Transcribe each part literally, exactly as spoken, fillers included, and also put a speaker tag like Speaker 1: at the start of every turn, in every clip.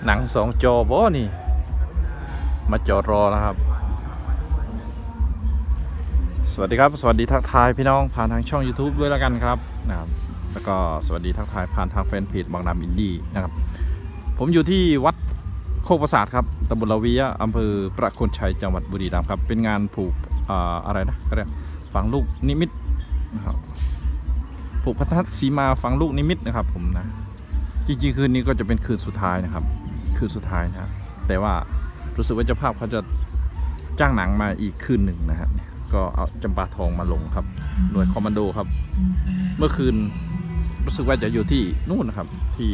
Speaker 1: หนังสองจอบ่นี่มาจอดรอแล้วครับสวัสดีครับสวัสดีทักทายพี่น้องผ่านทางช่อง YouTube ด้วยแล้วกันครับนะครับแล้วก็สวัสดีทักทายผ่านทางแฟนเพจบางนาอินดี้นะครับผมอยู่ที่วัดโคกประสาทครับตำบลละเวียอำเภอประโคนชัยจังหวัดบุรีรัมย์ครับเป็นงานผูกอ่าอะไรนะก็เรียกฝังลูกนิมิตนะครับผูกพัทธสีมาฝังลูกนิมิตนะครับผมนะจริงๆคืนนี้ก็จะเป็นคืนสุดท้ายนะครับคืนสุดท้ายนะแต่ว่ารู้สึกว่าเจ้าภาพเขาจะจ้างหนังมาอีกคืนหนึ่งนะครับก็เอาจำปาทองมาลงครับหน่วยคอมมานโดครับเมื่อคืนรู้สึกว่าจะอยู่ที่นู่นนะครับที่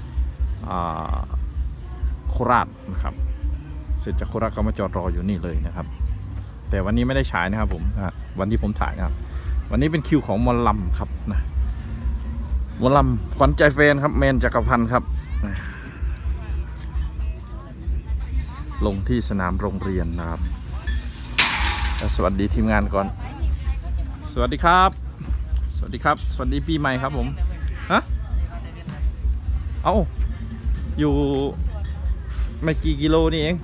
Speaker 1: โคราชนะครับเสร็จจากโคราชก็มาจอดรออยู่นี่เลยนะครับแต่วันนี้ไม่ได้ฉายนะครับผมวันที่ผมถ่ายนะครับวันนี้เป็นคิวของมอลลัมครับนะมอลลัมขวัญใจแฟนครับแมนจักรพันธ์ครับลงที่สนามโรงเรียนนะครับสวัสดีทีมงานก่อนสวัสดีครับสวัสดีครับสวัสดีปีใหม่ครับผมฮะเอาอยู่ไม่กี่กิโลนี่เอง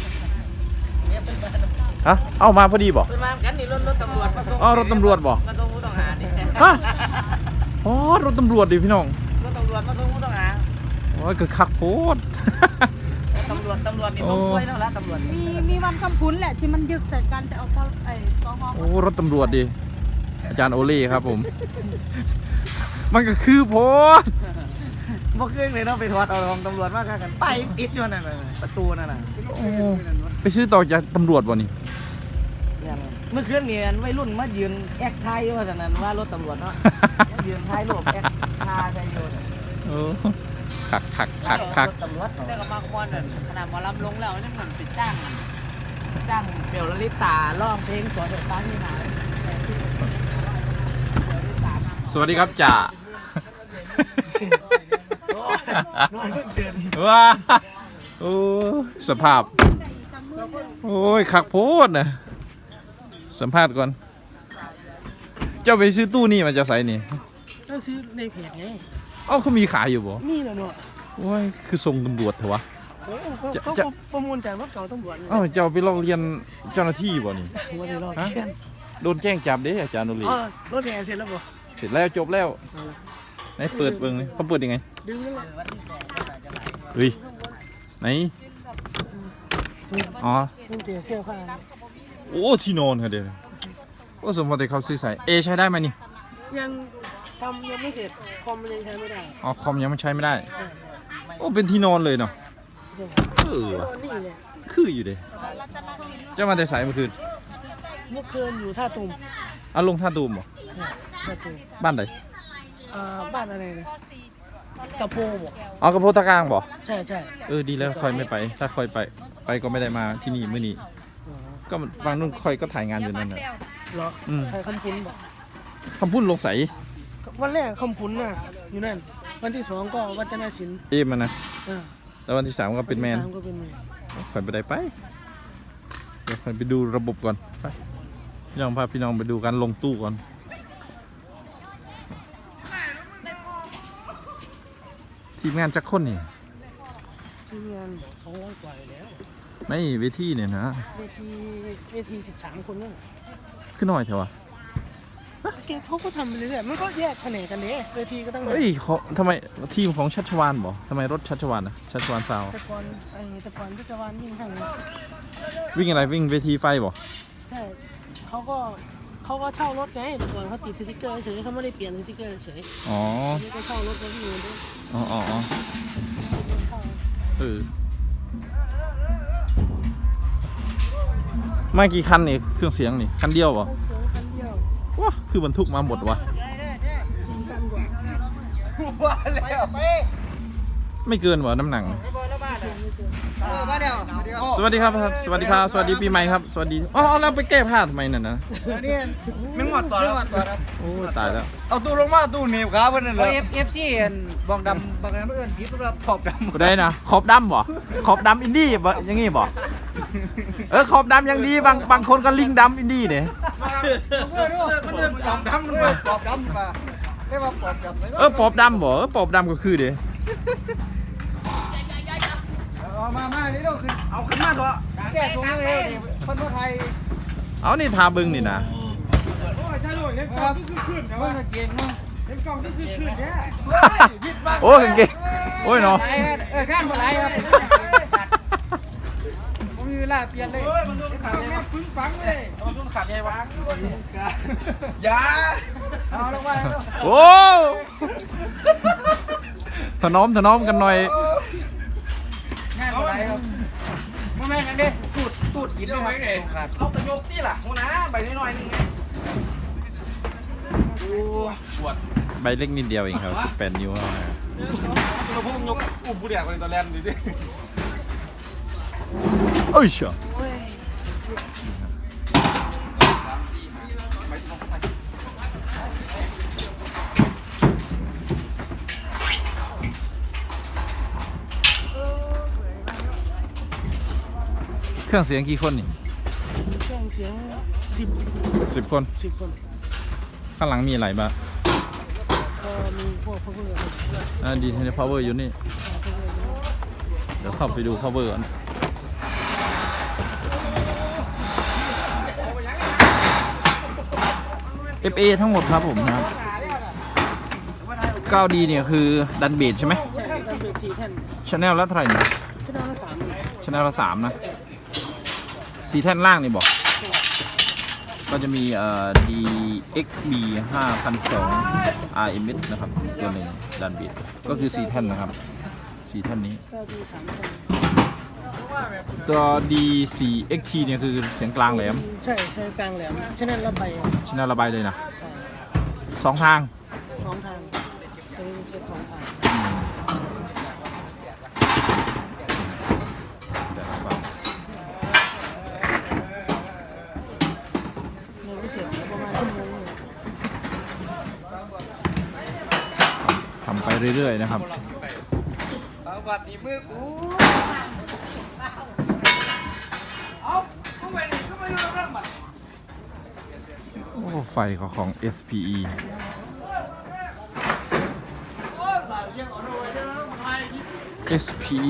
Speaker 1: ฮะเอามาพอดีบ่
Speaker 2: มากันนี่รถรถตำรวจมาส่ง
Speaker 1: อ๋อรถตำรวจบ่
Speaker 2: มาส่งผู้ต้องหาดิ
Speaker 1: ฮะอ๋อรถตำรวจดิพี่น้อง
Speaker 2: รถตำรวจมาส่งผู้ต้องหา
Speaker 1: โอ้ยคือคักโพด
Speaker 2: ตำรวจตำรวจนี่ส่งกล้วยแล้วละตำรวจ
Speaker 3: มีมีวันคำพุ้นแหละที่มันยึกใส่กันแต่เอาไอ้กอง
Speaker 1: โอ้รถตำรวจดิอาจารย์โอเล่ครับผมมันก็คือโพด
Speaker 2: บ่เครื่องเลยเนาะไปถอดเอาของตำรวจมากันไปติดอยู่นั่นน่ะประตูนั่นน่ะ
Speaker 1: ไปซื้อต่อจากตำรวจบ่นี่
Speaker 2: เมื่อคืนนี่วัยรุ่นมายืนแอคไทยว่าซั่นนั้นว่ารถตำรวจเนาะยืนไทยรูปแอคท่าใส่อยู่
Speaker 1: โอ้คักคักคักคัก
Speaker 2: เจ้าก็มาขโมยนั่นขนาดหมอลำลงแล้วนี่เหมือนติดจ้างจ้างเบลลิตาร้องเพลงสวนดอกไม้ที่ไหน
Speaker 1: สวัสดีครับจ่าว้าโอ้สภาพโอ้ยคักโพดนะสัมภาษณ์ก่อนเจ้าไปซื้อตู้นี่มาจะใส่นี่
Speaker 2: ก็ซื้อในเพจไง
Speaker 1: เอ้าเขามีขายอยู่บ่
Speaker 2: มีแล้วเนาะ
Speaker 1: โอ้ยคือทรงตำรวจเถอะวะ
Speaker 2: เขาประมูลจากรถเก่าตำรวจ
Speaker 1: เอ้าเจ้าไปลองเรียนเจ้าหน้าที่บ่นี่ฮะโดนแจ้งจับเด้อาจารย์โนรี
Speaker 2: รถแห่เสร็จแล้วบ่
Speaker 1: เสร็จแล้วจบแล้วไหนเปิดเบิ่งเลยเขาเปิดยังไง
Speaker 2: ดึงนั่นแหละ
Speaker 1: เฮ้ยไหนอ๋อโอ้ที่นอนค่ะเดี๋ยวโอ้สมมติเขาซื้อใส่เอใช้ได้ไหมนี่
Speaker 2: ยังทำยังไม่เสร็จคอมมันยังใช้ไม่ได้
Speaker 1: อ๋อคอมยังไม่ใช้ไม่ได้โอ้เป็นที่นอนเลยเนาะเออคืออยู่เด้จะมาแต่สายเมื่อคืน
Speaker 2: เมื่อคืนอยู่ท่าตูม
Speaker 1: เอาลงท่าตูมเหรอ
Speaker 2: ท่าตูม
Speaker 1: บ้านไหน
Speaker 2: อ่าบ้านอะไรนะกระโพบ่
Speaker 1: อ๋อกระโพตะกลางบ่
Speaker 2: ใช่ใช่
Speaker 1: เออดีแล้วคอยไม่ไปถ้าคอยไปไปก็ไม่ได้มาที่นี่เมื่อนี้ก็ฟังนู่นคอยก็ถ่ายงานอยู่นั่นน่ะ
Speaker 2: เหรอใครคำพุ้นบ่
Speaker 1: คำพุ้นลงใส
Speaker 2: วันแรกคำพุ้นน่ะอยู่นั่นวันที่สองก็วัฒนศิลป์
Speaker 1: เอ็มมันนะแล้ววันที่สามก็เป็นแมนคอยไปได้ไปเดี๋ยวคอยไปดูระบบก่อนไปพี่น้องพาพี่น้องไปดูการลงตู้ก่อนทีมงานจักคนนี่
Speaker 2: ทีมงานสองร้อยกว่าแล้ว
Speaker 1: ไม่เวทีเนี่ยนะ
Speaker 2: เวทีเวทีสิบสามคนนั่น
Speaker 1: ขึ้นหน่อยเถอะวะ
Speaker 2: เขาก็ทำไปเรื่อยๆมันก็แยกแผนกกันเนี่ยเวทีก็ต้อง
Speaker 1: เฮ้ยเขาทำไมทีมของชัชวานบอกทำไมรถชัชวานนะชัชวานซาว
Speaker 2: ตะกอนไอ้ตะกอนชัชวานวิ่งทาง
Speaker 1: วิ่งอะไรวิ่งเวทีไฟบอก
Speaker 2: ใช่เขาก็เขาก็เช่ารถไงตะกอนเขาติดสติ๊กเกอร์เฉยเขาไม่ได้เปลี่ยนสติ๊กเกอร์เฉย
Speaker 1: อ๋อ
Speaker 2: นี่ก็เช่ารถเขาวิ่งด้วย
Speaker 1: อ๋ออ๋อเออมากี่คันนี่เครื่องเสียงนี่คันเดียวเหรอ
Speaker 2: คันเดียว
Speaker 1: ว้าคือบรรทุกมาหมดวะไม่เกินวะน้ำหนังสวัสดีครับสวัสดีครับสวัสดีปีใหม่ครับสวัสดีอ๋อเราไปแก้ผ้าทำไมนั่นนะ
Speaker 2: ไม่หมดตัวแล้ว
Speaker 1: โอ้ตายแล้ว
Speaker 2: เอาตู้ลงมาตู้หนีบขาเพื่อนเลยเอฟซีบองดำบางนั้นเพื่อนผีตัวขอบดำ
Speaker 1: ได้นะขอบดำบ่ขอบดำอินดี้บ่ยังงี้บ่เออขอบดำยังดีบางบางคนก็ลิงดำอินดี้เนี่ย
Speaker 2: ขอบดำด้วยขอบดำมาไม่ว่าขอบดำ
Speaker 1: เออขอบดำบ่ขอบดำก็คือเด้
Speaker 2: มามามานี่เราขึ้นเอาขึ้นมาเถอะแก้สูงเร็วดิคนไทย
Speaker 1: เอานี่ทาบึงนี่นะ
Speaker 2: โอ้ยใช่ด้วยเห็นกล้องที่ขึ้นขึ้นแต่ว่าเก่งมั้งเห็นกล้องที่ขึ้นขึ้นแค่
Speaker 1: โอ้ยเก่งโอ้ยเนาะ
Speaker 2: เออก้านมาไหลครับผมมีเวลาเปลี่ยนเลยมันโดนขาดเลยปึ้งปังเลยมันโดนขาดไงวะอย่าเอาลงมา
Speaker 1: โอ้ถนอมถนอมกันหน่อย
Speaker 2: งานอะไรครับพ่อแม่กันดิตูดตูดกินได้ไหมเนี่ยเอาตะโยกตี้ล่ะหัวหน้าใบน้อยๆนึงไงโอ้ปวด
Speaker 1: ใบเล็กนิดเดียวเองครับสิบแปดนิ้วเท่านั้น
Speaker 2: เราพุ่งยกอุ้มผู้เดียกไปตอนแรกดิดิ
Speaker 1: เอ้ยเชียวเครื่องเสียงกี่คนนี่
Speaker 2: เครื่องเสียงสิบ
Speaker 1: สิบคน
Speaker 2: สิบคน
Speaker 1: ข้างหลังมีอะไรบ้าง
Speaker 2: ก็มีพวกพวกเพื่อน
Speaker 1: อ่าดีเทนพาวเวอร์อยู่นี่ เดี๋ยวเข้าไปดูพาวเวอร์ก่อน เอฟ เอ ทั้งหมดครับผมนะครับ เก้าดี เนี่ยคือดันเบสใช่ไหม
Speaker 2: ใช่ดันเบสสี่แท่น
Speaker 1: ชาแนลละเท่าไหร่เนี่ย
Speaker 2: ชนะละสาม
Speaker 1: ชาแนลละสามนะสีแท่นล่างนี่บอก ก็จะมีเอ่อ ดี เอ็กซ์ บี ห้าพันสอง อาร์ เอ็ม เอส นะครับ ตัวหนึ่งดันเบสก็คือสี่แท่นนะครับสี่แท่นนี้
Speaker 2: ก็ดีสามแท่น
Speaker 1: ตัว ดี โฟร์ เอ็กซ์ ที เนี่ยคือเสียงกลางแหลม
Speaker 2: ใช่ใช่กลางแหลมชนะละใบ
Speaker 1: ชแนลระบายเลยนะ
Speaker 2: ใช่
Speaker 1: สองทาง
Speaker 2: สองทางเป็นเซตสองทาง
Speaker 1: อืมแต่ละฝั่ง
Speaker 2: เงินพิเศษประมาณชั่วโมงนึง
Speaker 1: ทำไปเรื่อยๆนะครับ
Speaker 2: วัดดีมือกูเอาเข้าไปดิเข้าไปดูเรื่องมัน
Speaker 1: โอ้ไฟของของ เอส พี อี เอส พี อี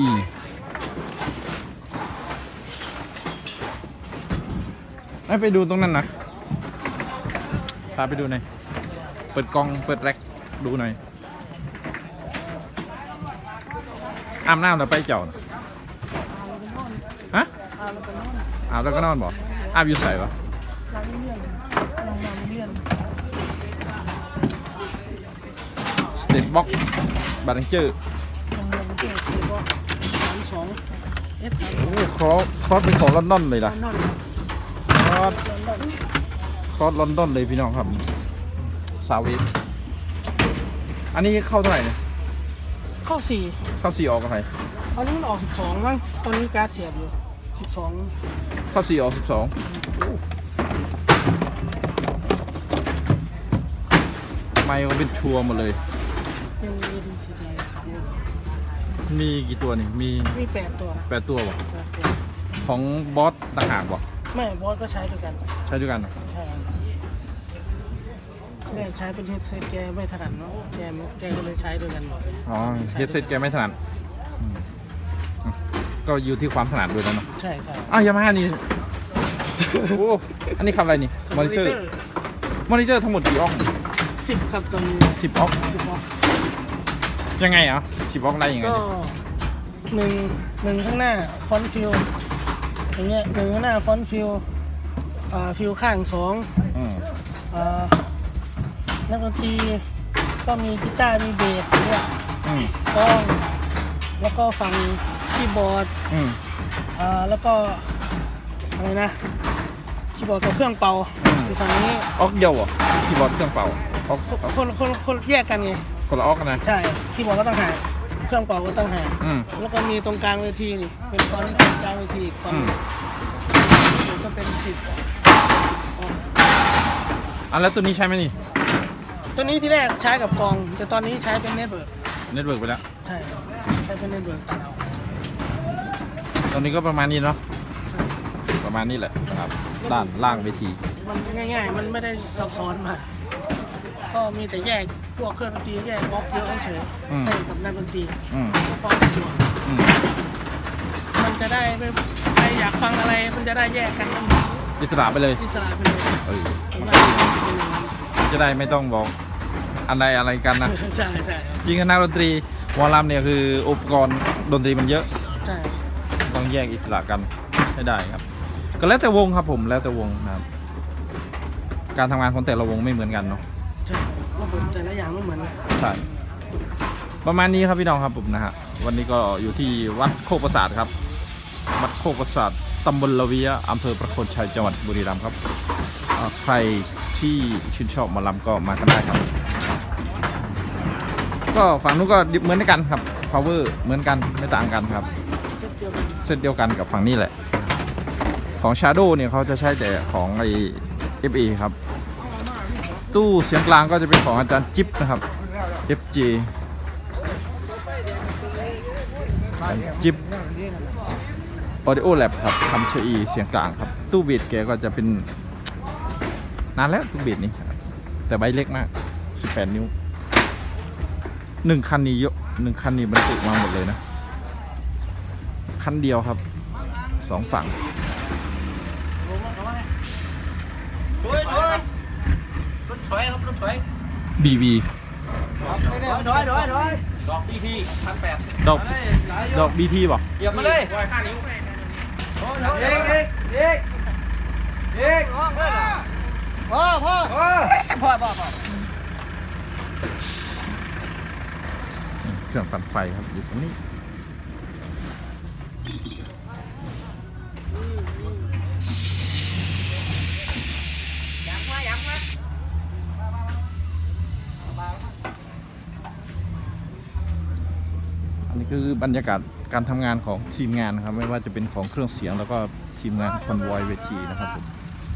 Speaker 1: ไม่ไปดูตรงนั้นนะพาไปดูหน่อยเปิดกล้องเปิดแร็กดูหน่อยอาบน้ำแล้วไปเจ้าน่ะฮะอาบแล้วก็นอนบอกอาบอยู่ใส่ปะ
Speaker 2: ร้านเลี่ยนโรงงานเลี่ยน
Speaker 1: สเตทบ็อกบาร์เจอร์
Speaker 2: โรงงานเลี่ยนคือว่าสามสองเอสสาม
Speaker 1: โอ้ครอสครอสเป็นของลอนดอนเลยล่ะ
Speaker 2: นอน
Speaker 1: ครอส
Speaker 2: นอน
Speaker 1: ครอสลอนดอนเลยพี่น้องครับซาเวสอันนี้เข้าเท่าไหร่เนี่ย
Speaker 2: เข้าสี่
Speaker 1: เข้าสี่ออกอะไร
Speaker 2: ตอนนี้มันออกสิบสองมั้งตอนนี้การ์ดเสียบอยู่สิบสอง
Speaker 1: เข้าสี่ออกสิบสองไมค์ก็เป็นชัวร์หมดเลย
Speaker 2: เป็น เอ ดี ซี ดี
Speaker 1: มีกี่ตัวนี่มี
Speaker 2: มีแปดตัว
Speaker 1: แปดตัวบ่
Speaker 2: แปดตัว
Speaker 1: ของบอสต่างหากบ่
Speaker 2: ไม่บอสก็ใช้ด้วยกัน
Speaker 1: ใช้ด้วยกันเหรอ
Speaker 2: ใช่แม่ใช้เป็นเฮดเซตแกไม่ถนัดเนาะแกไม่แกก็เลยใช้ด้วยกันหมด
Speaker 1: อ๋อเฮดเซ็ตแกไม่ถนัดอืมอ่ะก็อยู่ที่ความถนัดด้วยแล้วเนาะ
Speaker 2: ใช่ใช่
Speaker 1: อ้าวยามาฮ่านี่ โอ้อันนี้คำอะไรนี่มอนิเตอร์มอนิเตอร์ทั้งหมดกี่ออก
Speaker 2: สิบครับตอนนี้
Speaker 1: สิบออก
Speaker 2: สิบออก
Speaker 1: ยังไงอ่ะสิบออกได้ยังไง
Speaker 2: ก็
Speaker 1: เนี่ย
Speaker 2: หนึ่งหนึ่งข้างหน้าฟอนต์ฟิลอย่างเงี้ยหนึ่งข้างหน้าฟอนต์ฟิลอ่าฟิลข้างสอง
Speaker 1: อืม
Speaker 2: อ่านักดนตรีก็มีกีตาร์มีเบสเนี่ย
Speaker 1: อืม
Speaker 2: กล้องแล้วก็ฟังคีย์บอร์ด
Speaker 1: อืม
Speaker 2: อ่าแล้วก็อะไรนะคีย์บอร์ดกับเครื่องเป่า
Speaker 1: อืม
Speaker 2: อยู่ฝั่งนี้
Speaker 1: ออกเดียวเหรอคีย์บอร์ดเครื่องเป่าออก
Speaker 2: คนคนคนแยกกันไง
Speaker 1: คนละออกกันนะ
Speaker 2: ใช่คีย์บอร์ดก็ต้องหากเครื่องเป่าก็ต้องหาก
Speaker 1: อืม
Speaker 2: แล้วก็มีตรงกลางเวทีนี่เป็นฟอนต์กลางเวทีอีกฟอน
Speaker 1: อื
Speaker 2: ต์
Speaker 1: ม
Speaker 2: ก็เป็นสิบ
Speaker 1: อ่ะแล้วตัวนี้ใช่ไหมนี่
Speaker 2: ตัวนี้ที่แรกใช้กับกอง แต่ตอนนี้ใช้เป็นเน็ตเวิร์ก
Speaker 1: เน็ตเวิร์กไปแล้ว
Speaker 2: ใช่ใช้เป็นเน็ตเวิร์กตัดเอา
Speaker 1: ตอนนี้ก็ประมาณนี้เนาะประมาณนี้แหละครับด้านล่างเวที
Speaker 2: มันง่ายๆ มันไม่ได้ซับซ้อนมากก็มีแต่แยกพวกเครื่องดนตรีแยกบล็อกเยอะเฉยๆให้กับนักดนตรี
Speaker 1: อืม
Speaker 2: เพื่อความสะดวก
Speaker 1: อืม
Speaker 4: มันจะได้ไม่ใครอยากฟังอะไรมันจะได้แยกกัน
Speaker 1: อิสระไปเลย
Speaker 4: อิสระไปเลย
Speaker 1: เออ
Speaker 4: ผมว่าเป็นอย่างนั้น
Speaker 1: จะได้ไม่ต้องบอกอะไรอะไรกันนะ
Speaker 4: ใช่ใช่ครับ
Speaker 1: จริงๆนักดนตรีหมอลำเนี่ยคืออุปกรณ์ดนตรีมันเยอะ
Speaker 4: ใช่
Speaker 1: ต้องแยกอิสระกันให้ได้ครับ ก็แล้วแต่วงครับผมแล้วแต่วงนะครับ การทำงานของแต่ละวงไม่เหมือนกันเนาะ
Speaker 4: ใช่ระบบแต่ละอย่างไม่เหมือนกัน
Speaker 1: ใช่ประมาณนี้ครับพี่น้องครับผมนะฮะวันนี้ก็อยู่ที่วัดโคกประสาทครับ วัดโคกประสาทตำบลละเวียอำเภอประโคนชัยจังหวัดบุรีรัมย์ครับอ่าใครที่ชื่นชอบหมอลำก็มากันได้ครับ ก็ฝั่งนู้นก็เหมือนกันครับ power เหมือนกันไม่ต่างกันครับ
Speaker 4: เส้นเดียวกัน
Speaker 1: เส้นเดียวกันกับฝั่งนี้แหละ ของ Shadow เนี่ยเขาจะใช้แต่ของไอ เอฟ เอ ครับ ตู้เสียงกลางก็จะเป็นของอาจารย์จิ๊บนะครับ เอฟ จี อาจารย์จิ๊บ Audio Lab ครับทำเชอีเสียงกลางครับ ตู้เบียดแกก็จะเป็นนานแล้วตู้เบียดนี้ครับแต่ใบเล็กมากสิบแปดนิ้วหนึ่งคันนี้เยอะหนึ่งคันนี้บรรจุมาหมดเลยนะคันเดียวครับสองฝั่ง
Speaker 2: โดยโดยรถถอยครับรถถอย
Speaker 1: บี บี
Speaker 2: ถอยถอยถอย
Speaker 1: ดอก
Speaker 2: เฮ้ยหลาย
Speaker 1: ดอก บี ที ป่ะ
Speaker 2: เหยียบมาเลยร้อยห้านิ้วเด็กเด็กเด็กเด็กพ่อพ่อพ่อพ่อพ่อพ่อ
Speaker 1: เครื่องปั่นไฟครับอยู่ตรงนี้อันนี้คือบรรยากาศการทำงานของทีมงานนะครับไม่ว่าจะเป็นของเครื่องเสียงแล้วก็ทีมงานคอนวอยเวทีนะครับผม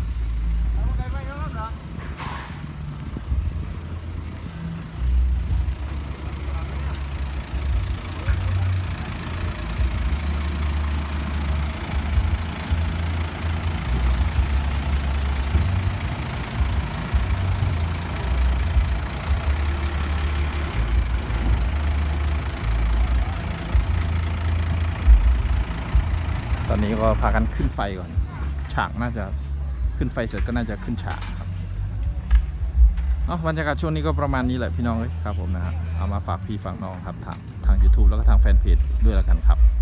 Speaker 1: ตอนนี้ก็พากันขึ้นไฟก่อน ฉากน่าจะขึ้นไฟเสร็จก็น่าจะขึ้นฉากครับเนาะบรรยากาศช่วงนี้ก็ประมาณนี้แหละพี่น้องเอ้ยครับผมนะครับเอามาฝากพี่ฝากน้องครับทางทาง YouTube แล้วก็ทางแฟนเพจด้วยแล้วกันครับ